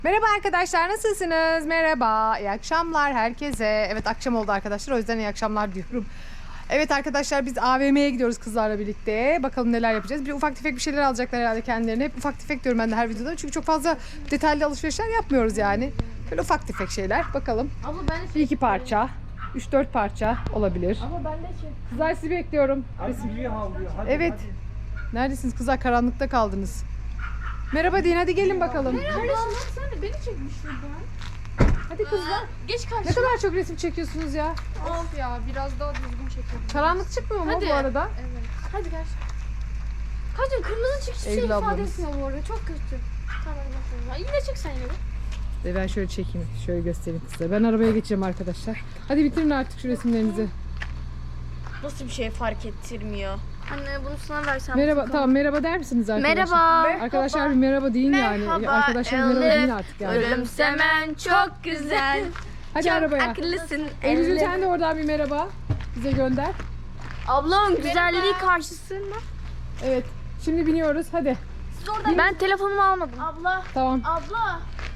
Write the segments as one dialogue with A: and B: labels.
A: Merhaba arkadaşlar, nasılsınız? Merhaba, iyi akşamlar herkese. Evet, akşam oldu arkadaşlar, o yüzden iyi akşamlar diyorum. Evet arkadaşlar, biz AVM'ye gidiyoruz kızlarla birlikte. Bakalım neler yapacağız. Bir ufak tefek bir şeyler alacaklar herhalde kendilerine. Hep ufak tefek diyorum ben de her videoda. Çünkü çok fazla detaylı alışverişler yapmıyoruz yani. Böyle ufak tefek şeyler. Bakalım.
B: Abla ben de
A: Bir iki parça, 3-4 parça olabilir.
B: Abla ben de
A: Kızlar sizi bekliyorum. Evet. Neredesiniz kızlar? Karanlıkta kaldınız. Merhaba deyin, hadi gelin bakalım.
B: Merhaba. Sen de beni çekmiş şuradan.
A: Hadi kızlar.
B: Geç
A: Ne
B: karşıma.
A: kadar çok resim çekiyorsunuz ya.
B: Of ya biraz daha düzgün çekelim.
A: Karanlık çıkmıyor mu
B: Hadi.
A: bu arada?
B: Evet. Hadi gel. Kaçın kırmızı çık hiçbir şey
A: Eylül
B: ifade
A: ablamız.
B: etmiyor bu arada. Çok kötü. Tamam bakıyorum. Yine çık sen yine.
A: Ben şöyle çekeyim. Şöyle göstereyim size. Ben arabaya geçeceğim arkadaşlar. Hadi bitirin artık şu resimlerinizi.
C: Nasıl bir şey fark ettirmiyor?
B: Anne bunu sana versem.
A: Merhaba. Tamam, merhaba der misiniz arkadaşlar?
C: Merhaba.
A: Arkadaşlar bir merhaba deyin yani. Arkadaşlar merhaba deyin artık yani.
C: Gülümsemen çok güzel.
A: Hadi
C: çok
A: arabaya.
C: akıllısın.
A: Eylül'cüm sen de oradan bir merhaba bize gönder.
C: Ablamın güzelliği karşısında.
A: Evet. Şimdi biniyoruz. Hadi.
C: Ben telefonumu almadım.
B: Abla.
A: Tamam.
B: Abla.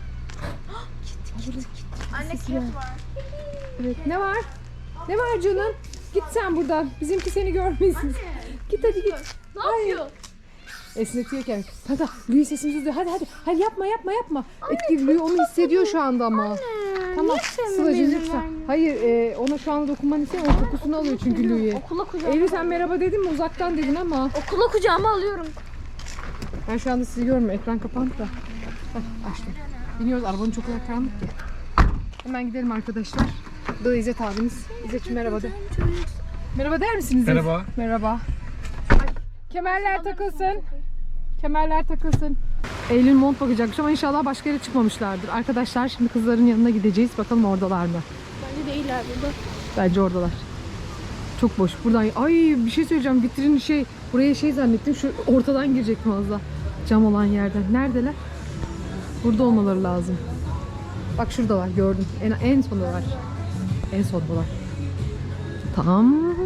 B: Anne kek var.
A: Evet. Ne var? Ne var canım? Git sen buradan. Bizimki seni görmesin. Git hadi git.
B: Ne yapıyor?
A: Esnetiyor kendini. Hadi Louis sesimizi duyuyor. Hadi hadi. Hadi yapma. Etki Louis onu hissediyor şu anda ama. Tamam. Sıla'cığım lütfen. Hayır ona şu anda dokunmanı istemiyorum. O kokusunu alıyor çünkü Louis.
C: Okula kucağıma.
A: Eylül sen merhaba dedin mi? Uzaktan dedin ama.
C: Okula kucağıma alıyorum.
A: Ben şu anda sizi görmüyorum. Ekran kapandı da. Heh, açtım. Biniyoruz. Arabanın çok karanlık ki. Hemen gidelim arkadaşlar. Bu da İzzet abiniz. İzzet'ciğim merhaba de. Merhaba der misiniz?
D: Merhaba.
A: Merhaba. Kemerler takılsın. Kemerler takılsın. Eylül mont bakacakmış ama inşallah başka yere çıkmamışlardır. Arkadaşlar şimdi kızların yanına gideceğiz. Bakalım oradalar mı?
B: Bence değiller burada.
A: Bence oradalar. Çok boş. Buradan ay bir şey söyleyeceğim. Vitrin buraya zannettim. Şu ortadan girecektim az daha. Cam olan yerden. Neredeler? Burada olmaları lazım. Bak şuradalar gördüm. En sondalar. En sondalar. Tamam.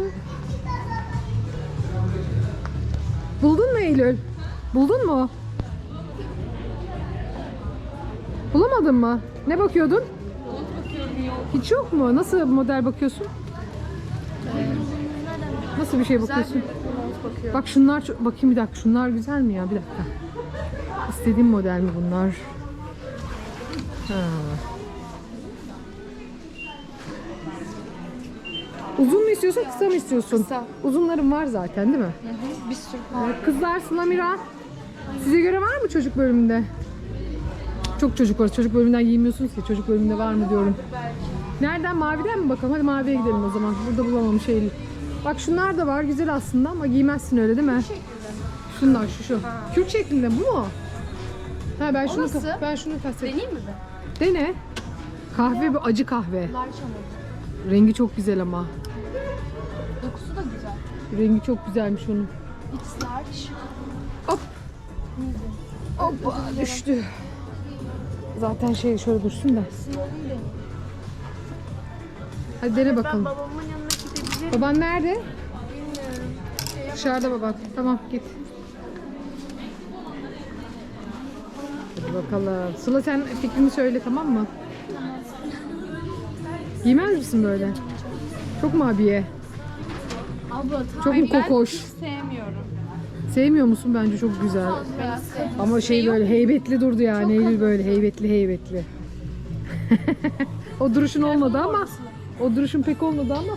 A: Buldun mu Eylül? Buldun mu? Bulamadın mı? Ne bakıyordun? Hiç yok mu? Nasıl model bakıyorsun? Nasıl bir şey bakıyorsun? Bak şunlar bakayım bir dakika. Şunlar güzel mi ya? Bir dakika. İstediğim model mi bunlar? Ha. Uzun mu istiyorsun, kısa mı istiyorsun?
B: Kısa.
A: Uzunlarım var zaten değil mi?
B: Bir sürü.
A: Kızlar Sıla Mira. Size göre var mı çocuk bölümünde? Çok çocuk var. Çocuk bölümünden giymiyorsunuz ki. Çocuk bölümünde var mı diyorum. Nereden? Maviden mi bakalım? Hadi maviye gidelim o zaman. Burada bulamamış Eylül. Bak şunlar da var. Güzel aslında ama giymezsin öyle değil mi? Şunlar şu. Kürt şeklinde bu mu? Ha ben şunu
B: nasıl?
A: kastettim.
B: Deneyeyim mi ben?
A: Dene. Kahve bu acı kahve.
B: Large ama.
A: Rengi çok güzel ama.
B: Dokusu da güzel.
A: Rengi çok güzelmiş onun.
B: It's large.
A: Hop. Hoppa düştü. Zaten şöyle dursun da. Hadi dene bakalım.
B: Babamın yanına gidebilirim.
A: Baban nerede? Dışarıda baban. Tamam git. Hadi bakalım. Sıla sen fikrini söyle tamam mı? Giymez misin böyle? Çok mu abiye?
B: Abla
A: Çok mu kokoş?
B: sevmiyorum.
A: Sevmiyor musun? Bence çok güzel. Ama böyle heybetli durdu yani. Eylül böyle heybetli. O duruşun olmadı ama. O duruşun pek olmadı ama.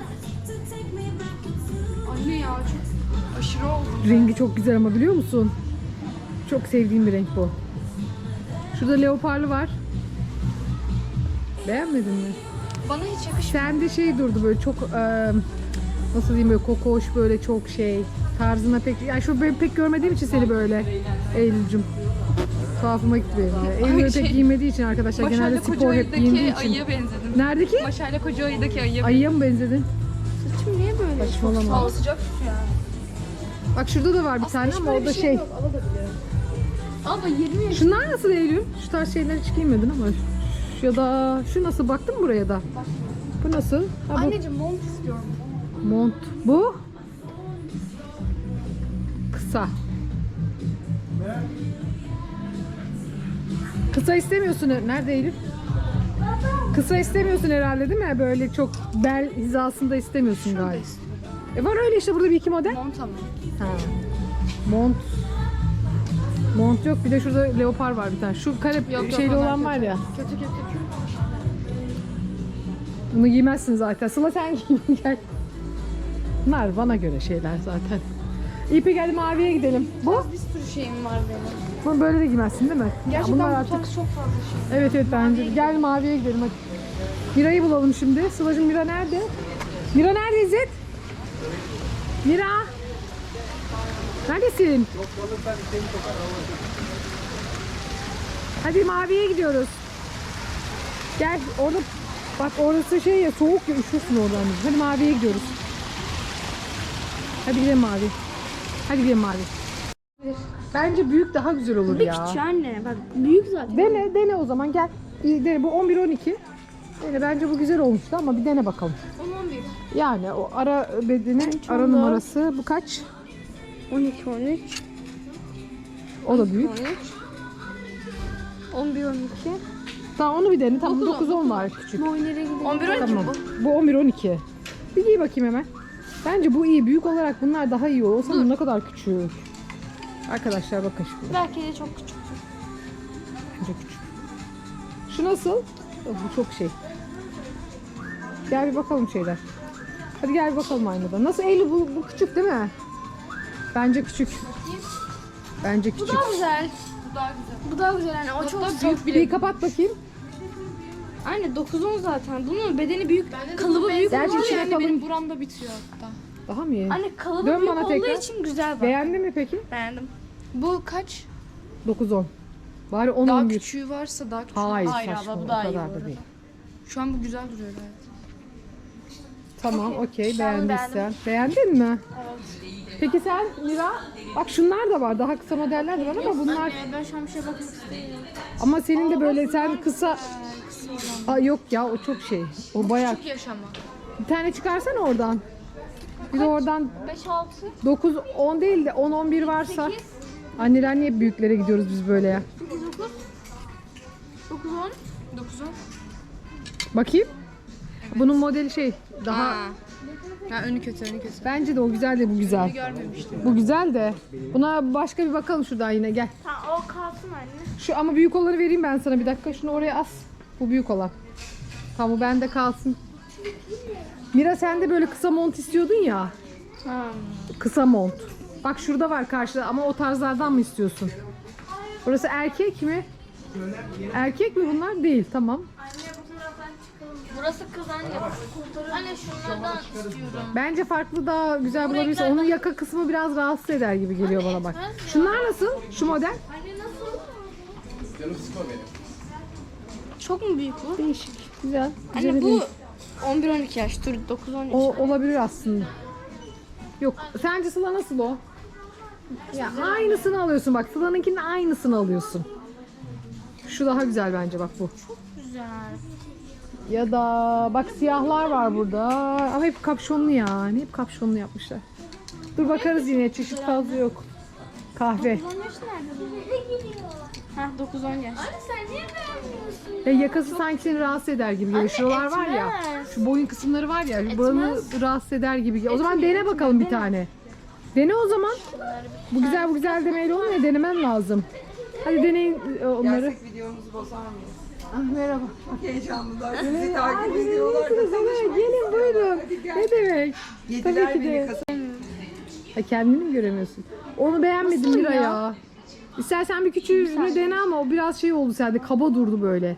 B: Anne ya çok aşırı oldu.
A: Rengi çok güzel ama biliyor musun? Çok sevdiğim bir renk bu. Şurada leoparlı var. Beğenmedin mi?
B: Bana hiç yakışmıyor.
A: Sende durdu böyle çok nasıl diyeyim böyle kokoş böyle çok tarzına pek yani şu ben pek görmediğim için seni böyle Eylül'cüm. Tuhafıma gitti benim. Eylül pek giymediği için arkadaşlar genelde spor hep giyindiği için.
E: Ayıya benzedim.
A: Neredeki?
E: Maşayla Kocaeli'deki ayıya
A: Ayıya mı benzedin?
B: Saçım niye böyle?
A: Saçmalama.
E: Hava sıcak şu ya.
A: Bak şurada da var bir tane ama o da
B: Abla 20 yaş.
A: Şunlar nasıl Eylül? Şu tarz şeyler hiç giymedin ama. Ya da şu nasıl? Baktın mı buraya da? Bu nasıl? Ha, bu.
B: Anneciğim mont istiyorum.
A: Mont. Bu? Kısa. Kısa istemiyorsun. Nerede Eylül? Kısa istemiyorsun herhalde değil mi? Böyle çok bel hizasında istemiyorsun galiba. Var öyle işte burada bir iki model.
E: Mont ama.
A: Ha. Mont. Mont yok. Bir de şurada leopar var bir tane. Şu kare
E: Yok,
A: şeyli
E: onlar
A: olan var ya.
E: Kötü kötü.
A: Bunu giymezsin zaten. Sıla sen giy gel. Bunlar bana göre şeyler zaten. İpi geldi maviye gidelim. Bu?
E: Bir sürü şeyim var benim.
A: Bunu böyle de giymezsin değil mi?
E: Gerçekten
A: bunlar
E: bu
A: artık.
E: tarz çok fazla şey.
A: Evet evet bence. Gel maviye gidelim hadi. Mira'yı bulalım şimdi. Sıla'cığım Mira nerede? Mira nerede İzzet? Mira. Neredesin? Hadi maviye gidiyoruz. Gel orada bak orası şey ya soğuk ya üşürsün oradan. Hadi maviye gidiyoruz. Hadi gidelim mavi. Hadi gidelim mavi. Bence büyük daha güzel olur ya.
C: Küçük anne. Bak büyük zaten.
A: Dene o zaman gel. İyi, dene. Bu 11-12. Dene. Bence bu güzel olmuştu ama bir dene bakalım.
E: 11.
A: Yani o ara bedeni, ara numarası bu kaç?
C: 12, 13,
A: O da büyük.
C: 13, 11, 12.
A: Tamam onu bir dene. Tamam 9-10 var küçük.
C: Boy nereye gidiyor?
E: 11 12
A: Tamam.
E: bu.
A: Bu 11-12. Bir giy bakayım hemen. Bence bu iyi. Büyük olarak bunlar daha iyi olur. Olsa bu ne kadar küçük. Arkadaşlar bakın şimdi.
C: Belki de çok küçük.
A: Bence küçük. Şu nasıl? Oh, bu çok şey. Gel bir bakalım şeyler. Hadi gel bir bakalım aynada. Nasıl Eylül bu küçük değil mi? Bence küçük. Bence küçük.
C: Bu daha güzel.
E: Bu daha güzel.
C: Bu daha güzel anne. O çok
E: Hatta
C: büyük.
E: büyük
A: Bir
E: bile.
A: kapat bakayım.
C: Anne 9-10 zaten. Bunun bedeni büyük. Kalıbı büyük.
A: Gerçi
C: olduğu
A: içine
C: için-
A: kalın.
E: Benim buramda bitiyor hatta.
A: Daha mı iyi?
C: Anne kalıbı
A: Dön
C: büyük
A: bana
C: olduğu
A: tekrar.
C: için güzel bak.
A: Beğendin mi peki?
C: Beğendim.
E: Bu kaç?
A: 9-10. Bari 10
E: Daha
A: 11.
E: küçüğü varsa daha küçük.
A: Hayır,
C: Hayır
A: saçma.
C: abla, bu
A: o
C: daha iyi
A: kadar
C: bu
A: da
C: arada.
A: değil.
E: Şu an bu güzel duruyor gayet.
A: Tamam, okey.
C: Ben
A: Beğendiysen. Beğendin mi? Evet. Peki sen Mira? Bak şunlar da var. Daha kısa modeller de var ama bunlar...
C: Anne ben şu an bir şeye bakmak istiyorum.
A: Ama senin de böyle sen kısa... Aa, yok ya o çok şey. O bayağı...
E: Çok yaşama.
A: Bir tane çıkarsana oradan. Bir de oradan
C: 5-6.
A: 9-10 değil de 10-11 varsa. Anneler niye büyüklere gidiyoruz biz böyle ya?
C: 9-10.
E: 9'un.
A: Bakayım. Bunun modeli şey daha...
E: Ha önü kötü önü kötü.
A: Bence de o güzel de bu güzel.
E: Görmemiştim.
A: Bu güzel de. Buna başka bir bakalım şuradan yine gel.
C: Tamam o kalsın anne.
A: Şu ama büyük olanı vereyim ben sana bir dakika. Şunu oraya as. Bu büyük olan. Tamam bu bende kalsın. Mira sen de böyle kısa mont istiyordun ya. Kısa mont. Bak şurada var karşıda ama o tarzlardan mı istiyorsun? Burası erkek mi? Erkek mi bunlar? Değil. Tamam.
C: Burası kız anne. Anne şunlardan istiyorum.
A: Bence farklı daha güzel bulabilirsin. Onun yaka kısmı biraz rahatsız eder gibi geliyor bana bak. Şunlar nasıl? Şu model?
C: Anne nasıl? Çok mu büyük bu?
A: Değişik. Güzel. Güzel
C: Anne bu
A: değil.
C: 11-12 yaş. Dur 9-10 yaş.
A: O olabilir aslında. Yok. Sence Sıla nasıl o? Ya aynısını alıyorsun bak. Sıla'nınkinin aynısını alıyorsun. Şu daha güzel bence bak bu.
C: Güzel.
A: Ya da bak siyahlar var burada. Ama hep kapşonlu yani. Hep kapşonlu yapmışlar. Dur bakarız yine. Çeşit fazla yok. Kahve.
C: 9-10 yaş nerede? Hah 9-10 yaş. Anne sen niye beğenmiyorsun?
A: Yakası sanki seni rahatsız eder gibi geliyor. Şuralar var ya.
C: etmez.
A: Şu boyun kısımları var ya. Buranı rahatsız eder gibi geliyor. O zaman dene bakalım bir tane. Dene o zaman. Bu güzel bu güzel demeyle olmuyor. Denemen lazım. Hadi deneyin onları.
D: Gerçek videomuzu bozar mıyız?
A: Ah, merhaba.
D: Çok heyecanlılar. Sizi takip ediyorlar da
A: Evet, gelin buyurun. Ne demek?
D: yediler
A: Tabii ki
D: beni
A: de.
D: kasa.
A: Ha, kendini mi göremiyorsun? Onu beğenmedim Mira ya. İstersen bir küçüğünü dene ama o biraz şey oldu sende. Kaba durdu böyle.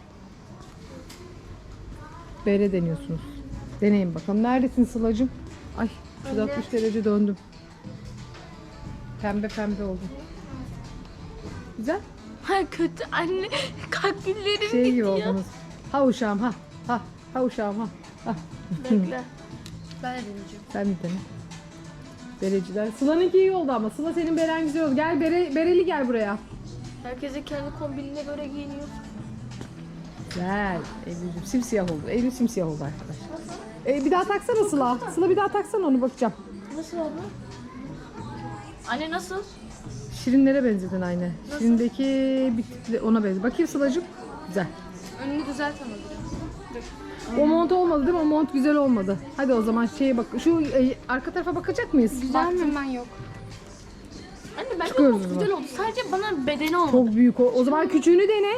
A: Bere deniyorsunuz. Deneyin bakalım. Neredesin Sıla'cığım? Ay 360 derece döndüm. Pembe pembe oldum. Güzel.
C: Hayır kötü anne. Kalplerim
A: Şey gibi
C: gidiyor.
A: oldunuz. Ha uşağım ha. Ha uşağım ha. Ha.
C: Bekle.
E: Ben de deneyeceğim.
A: Sen bir dene. Bereciler. Sıla'nınki iyi oldu ama. Sıla senin beren güzel oldu. Gel bereli gel buraya.
C: Herkese kendi kombinine göre giyiniyor.
A: Güzel. Eylül'cüm simsiyah oldu. Eylül simsiyah oldu arkadaşlar. Bir daha taksana Sıla. Sıla bir daha taksana onu bakacağım.
C: Nasıl abla? Anne nasıl?
A: Şirinlere benzedin aynı. Şirindeki bir tık ona benziyor. Bakayım Sıla'cığım. Güzel.
E: Önünü düzelt ama biraz.
A: O mont olmadı değil mi? O mont güzel olmadı. Hadi o zaman şeye bak. Şu arka tarafa bakacak mıyız?
E: Güzel mi? Ben yok.
B: Anne bence
A: Çıkıyoruz
B: çok
A: o zaman.
B: güzel oldu. Sadece bana bedeni olmadı.
A: Çok büyük o. O zaman küçüğünü dene.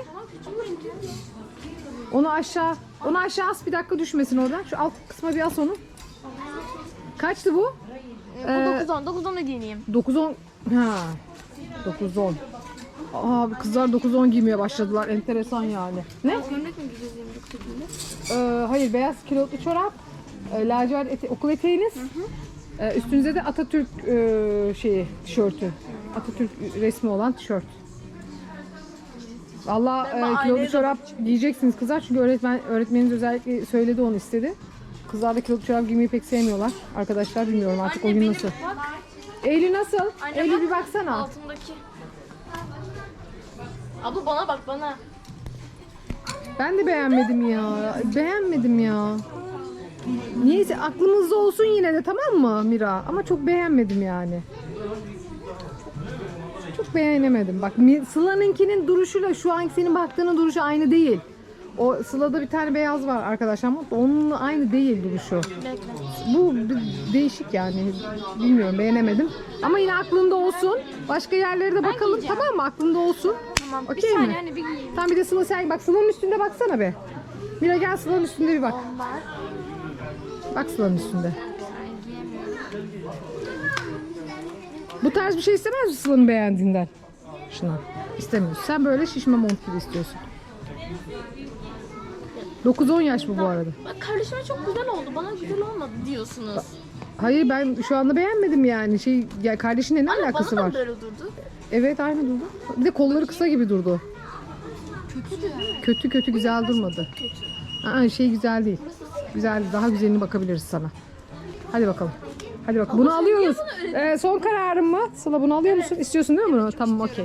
A: Onu aşağı as, bir dakika düşmesin oradan. Şu alt kısma bir as onu. Kaçtı bu?
B: Bu 9-10. 9-10'u giyineyim.
A: 9-10. Ha. 9-10. Aa, kızlar 9-10 giymeye başladılar. Enteresan yani. Ne?
E: Gömlek mi giyeceğiz 29 şekilde?
A: Hayır, beyaz kilotlu çorap. Lacivert okul eteğiniz. Üstünüze de Atatürk tişörtü. Atatürk resmi olan tişört. Valla kilotlu çorap giyeceksiniz kızlar çünkü öğretmeniniz özellikle söyledi, onu istedi. Kızlar da kilotlu çorap giymeyi pek sevmiyorlar. Arkadaşlar bilmiyorum artık o gün nasıl.
B: Bak.
A: Eylül nasıl?
B: Anne
A: Eylül
B: bak,
A: bir baksana.
B: altındaki. Abla bana bak bana.
A: Ben de beğenmedim ya. Beğenmedim ya. Niyeyse aklımızda olsun yine de, tamam mı Mira? Ama çok beğenmedim yani. Çok beğenemedim. Bak Sıla'nınkinin duruşuyla şu anki senin baktığının duruşu aynı değil. O Sıla'da bir tane beyaz var arkadaşlar ama onunla aynı değil duruşu. Bu değişik yani. Bilmiyorum, beğenemedim. Ama yine aklında olsun. Başka yerlere de bakalım, tamam mı? Aklında olsun.
B: Tamam. Bir
A: Okey
B: saniye
A: mi?
B: anne bir giyeyim.
A: Tamam, bir de Sıla sen bak, Sıla'nın üstünde baksana be. Mira gel Sıla'nın üstünde bir bak. Bak Sıla'nın üstünde. Bu tarz bir şey istemez misin Sıla'nın beğendiğinden? Şuna. İstemiyorsun. Sen böyle şişme mont gibi istiyorsun. 9-10 yaş bu arada.
B: Bak kardeşime çok güzel oldu. Bana güzel olmadı diyorsunuz.
A: Hayır, ben şu anda beğenmedim yani. Ya kardeşinle ne
B: Anne
A: alakası
B: bana
A: var?
B: da böyle durdu.
A: Evet, aynı durdu. Bir de kolları kısa gibi durdu. Kötü güzel durmadı. Aa, güzel değil. Güzel, daha güzelini bakabiliriz sana. Hadi bakalım. Hadi bak, bunu alıyoruz. Son kararın mı? Sıla, bunu alıyor musun? İstiyorsun değil mi bunu? Tamam, okey.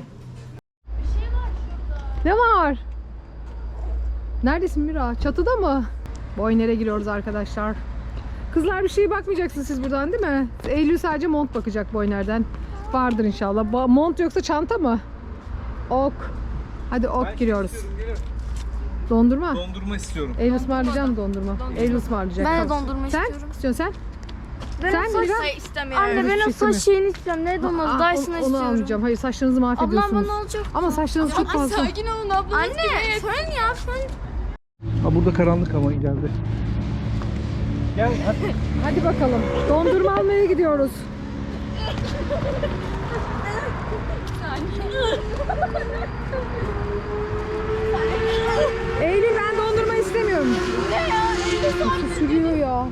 A: Ne var? Neredesin Mira? Çatıda mı? Boyner'e giriyoruz arkadaşlar. Kızlar bir şeye bakmayacaksınız siz buradan değil mi? Eylül sadece mont bakacak Boyner'den. Vardır inşallah. Mont yoksa çanta mı? Ok. Hadi ok giriyoruz. Dondurma.
F: Dondurma istiyorum.
A: Eylül ısmarlayacağım dondurma. Eylül ısmarlayacak.
B: Ben de
A: Tamam.
B: dondurma
A: Sen?
B: istiyorum.
A: İstiyorsun sen?
B: Ben
A: Sen
B: o saç
A: Mira?
B: istemiyorum. Anne
A: Hiçbir
B: ben o
A: şey
B: saç
A: istemiyorum.
B: şeyini istiyorum. Nerede olmaz?
A: Aa,
B: Dyson'ı
A: onu
B: istiyorum.
A: almayacağım. Hayır, saçlarınızı mahvediyorsunuz.
B: Ablam bana olacak.
A: Ama saçlarınız çok fazla.
E: Sakin olun abla.
B: Anne fön ya fön.
F: Ha, burada karanlık ama geldi. Gel hadi.
A: Hadi bakalım. Dondurma almaya gidiyoruz. Eylül, ben dondurma istemiyorum.
B: Ne ya?
A: Sürüyor ya.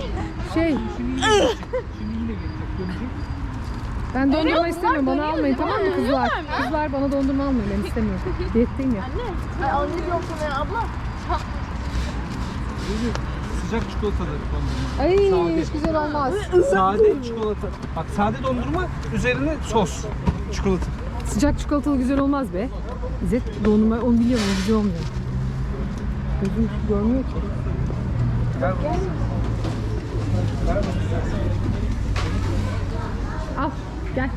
A: Ben dondurma istemiyorum. Bana almayın, tamam mı kızlar? Kızlar bana dondurma almayın. Ben istemiyorum. Diyetteyim ya.
B: Ay alayım yok sana abla.
F: Sıcak çikolatalı dondurma.
A: Ay,
F: Sade.
A: hiç güzel olmaz.
F: Sade çikolata. Bak, sade dondurma, üzerine sos. Çikolata.
A: Sıcak çikolatalı güzel olmaz be. İzzet, dondurma onu biliyorum, o güzel olmuyor. Gözüm görmüyor ki.
F: Ver bakalım. Ver bakalım.
A: Al, gel.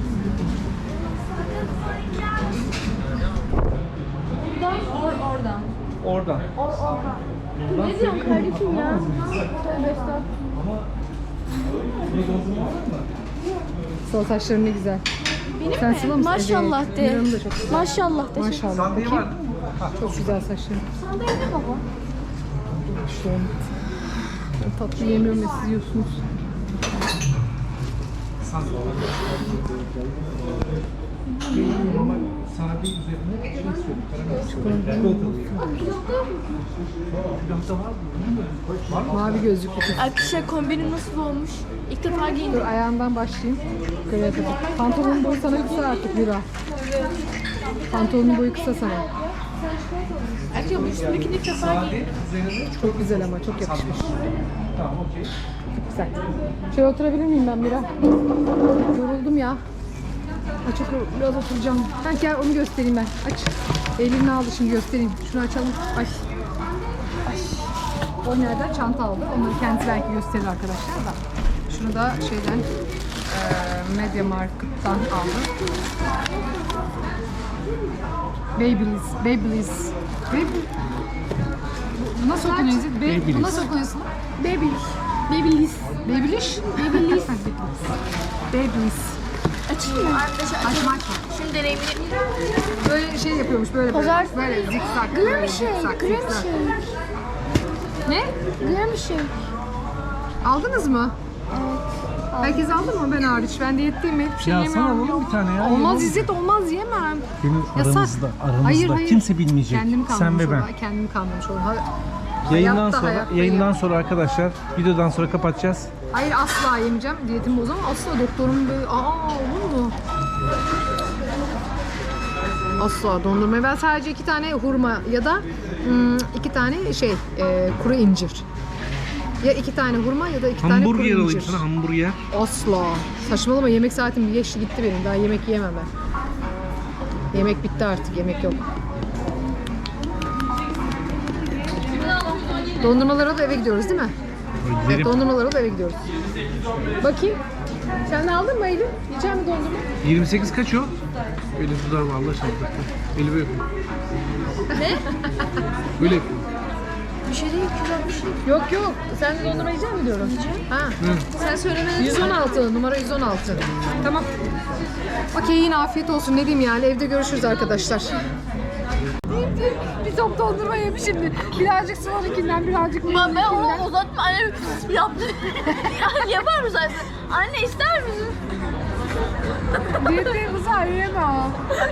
F: Oradan.
B: Ne diyorsun kardeşim ya?
A: Sol saçların ne güzel. Sen Sıla mısın?
B: Maşallah
A: Evet.
B: de.
A: Miran'ın da çok güzel.
B: Maşallah de.
A: Maşallah.
F: Sandığı var.
A: Çok güzel saçların.
B: Sandalye ne baba?
A: İşte onu. Ben tatlı yemiyorum ve siz yiyorsunuz.
F: Sade üzerine şey istiyorum. Karamel çikolatalı. Külahta var mı?
A: Mavi gözlüklü kız.
B: Arkadaşlar kombinim nasıl olmuş? İlk defa
A: Dur,
B: giyindim.
A: ayağından başlayayım. Yukarıya kadar. Pantolonun boyu sana kısa artık Mira. Pantolonun boyu kısa sana.
B: Arkadaşlar bu üstündekini ilk defa giyindim.
F: Üzerine
A: Çok güzel ama çok yakışmış.
F: tamam, okey.
A: Güzel. Şöyle oturabilir miyim ben Mira? Yoruldum ya. Açık biraz oturacağım. Ben gel onu göstereyim ben. Aç. Elini aldı, şimdi göstereyim. Şunu açalım. Ay. Ay. O nereden? Çanta aldı. Onları kendisi belki gösterir arkadaşlar da. Şunu da şeyden Media Markt'tan aldım. Babyliss. Bu nasıl okunuyor? Bu nasıl okunuyorsun? Babyliss.
B: Açayım mı?
A: Açma.
B: Şimdi deneyimini.
A: Böyle şey yapıyormuş böyle böyle zikzak. Böyle zikzak. Ne? Aldınız mı? Herkes aldı mı? Ben hariç. Ben diyetteyim. Hiçbir şey
F: Ya
A: yemiyorum.
F: sana alalım bir tane ya.
A: Olmaz İzzet, olmaz, yemem.
F: Benim
A: Yasak.
F: aramızda
A: Hayır.
F: kimse bilmeyecek.
A: Kendim
F: Sen
A: kalmamış
F: ve ben.
A: olur. Kendim kalmamış olur.
F: Yayından sonra arkadaşlar, videodan sonra kapatacağız.
A: Hayır, asla yemeyeceğim. Diyetimi bozamam. Asla doktorum böyle olur mu? Asla dondurmayı. Ben sadece 2 tane hurma ya da 2 tane kuru incir. Ya 2 tane hurma ya da 2 tane kuru
F: Hamburger
A: incir.
F: alayım sana, hamburger.
A: Asla. Saçmalama, yemek saatim geçti gitti benim. Daha yemek yiyemem ben. Yemek bitti artık, yemek yok. Dondurmalara da eve gidiyoruz değil mi? Evet, dondurmalara da eve gidiyoruz. Bakayım. Sen de aldın mı Eylül? Yiyecek mi dondurma?
F: 28 kaç o? Böyle tutar mı Allah aşkına? Eli böyle yapıyor.
B: Ne?
F: Böyle yapıyor.
B: Bir şey değil, güzel bir şey.
A: Yok. Sen de dondurma yiyecek mi diyorum? Ha.
B: Sen söylemedin.
A: 116, numara 116. Tamam. Okey, yine afiyet olsun. Ne diyeyim yani, evde görüşürüz arkadaşlar. Bir top dondurma yemiş şimdi. Birazcık Sıla'nınkinden, birazcık
B: Ben onu uzatma. Anne yaptı. Yani yapar mısın? Anne ister misin?
A: Diyetteyim kızlar, yiyemem.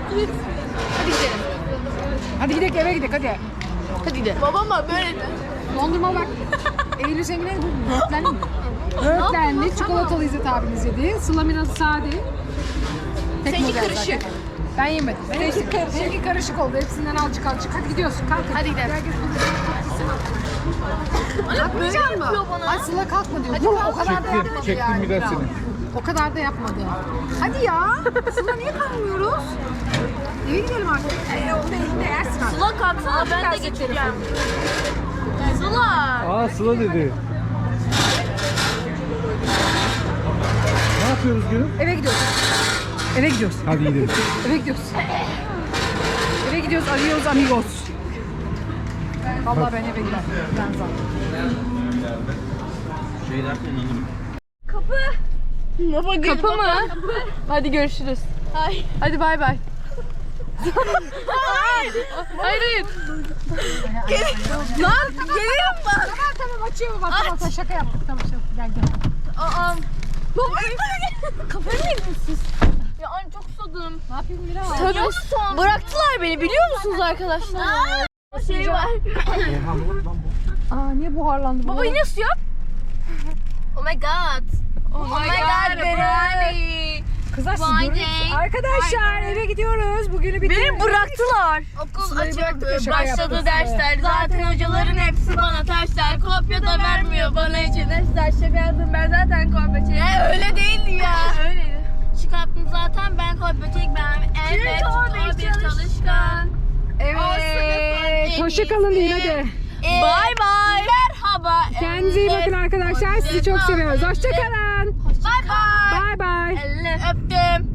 A: Hadi gidelim eve gidelim hadi.
B: Hadi gidelim. Babam var böyle de.
A: Dondurma bak. Eylül senin ne bu? Böğürtlenli mi? Böğürtlenli, çikolatalı İzzet abiniz yedi. Sıla biraz sade.
B: Seninki karışık.
A: Ben yemedim. Seninki karışık oldu. Hepsinden azıcık. Hadi gidiyorsun. Kalk.
B: Hadi gidelim.
A: Herkes
B: Anne böyle
A: kalkmayacak mı?
B: yapıyor bana.
A: Ay Sıla kalkma diyor. Dur, o kadar da yapmadı yani.
F: biraz seni.
A: O kadar da yapmadı. Hadi ya. Sıla niye kalmıyoruz? Eve gidelim artık. Onu elinde yersin artık.
B: Sıla kalksana ben de geçeceğim. Sıla.
F: Sıla dedi. Ne yapıyoruz gülüm?
A: Eve gidiyoruz. Eve gidiyoruz.
F: Hadi gidelim.
A: Eve gidiyoruz. Eve gidiyoruz. Arıyoruz amigos. Vallahi ben eve giderim. Ben zaten.
B: Kapı mı? Hadi görüşürüz. Hayır. Hadi bay bay. Hayır. Lan gelirim bak.
A: Tamam açıyorum bak. Tamam şaka yaptık. Tamam gel.
B: Baba kafayı mı yediniz siz? Ya anne çok susadım.
A: Ne yapayım Mira?
B: Tabii. Bıraktılar beni biliyor musunuz arkadaşlar? Şey var.
A: Niye buharlandı bu?
B: Baba yine su yap. Oh my god. Oh my god Berani.
A: Kızlar siz
B: Vay
A: görüyor musunuz?
B: be.
A: Arkadaşlar eve gidiyoruz. Bugünü bitirdik.
B: Beni bıraktılar. Okul
A: Sırayı bıraktık da
B: açıldı.
A: şaka
B: Başladı
A: yaptık.
B: dersler. Zaten hocaların hepsi bana tersler. Kopya da vermiyor bana için dersler. Şaka yazdım ben zaten kopya çektim. Öyle değildi ya. Öyleydi. Çıkarttım zaten ben kopya çekmem. Evet. O bir çalışkan.
A: Evet. Hoşça kalın deyin hadi.
B: Bye bye. Merhaba.
A: Kendinize iyi bakın arkadaşlar. Sizi çok seviyoruz. Hoşça kalın.
B: Bye bye.
A: Bye bye.
B: Öptüm.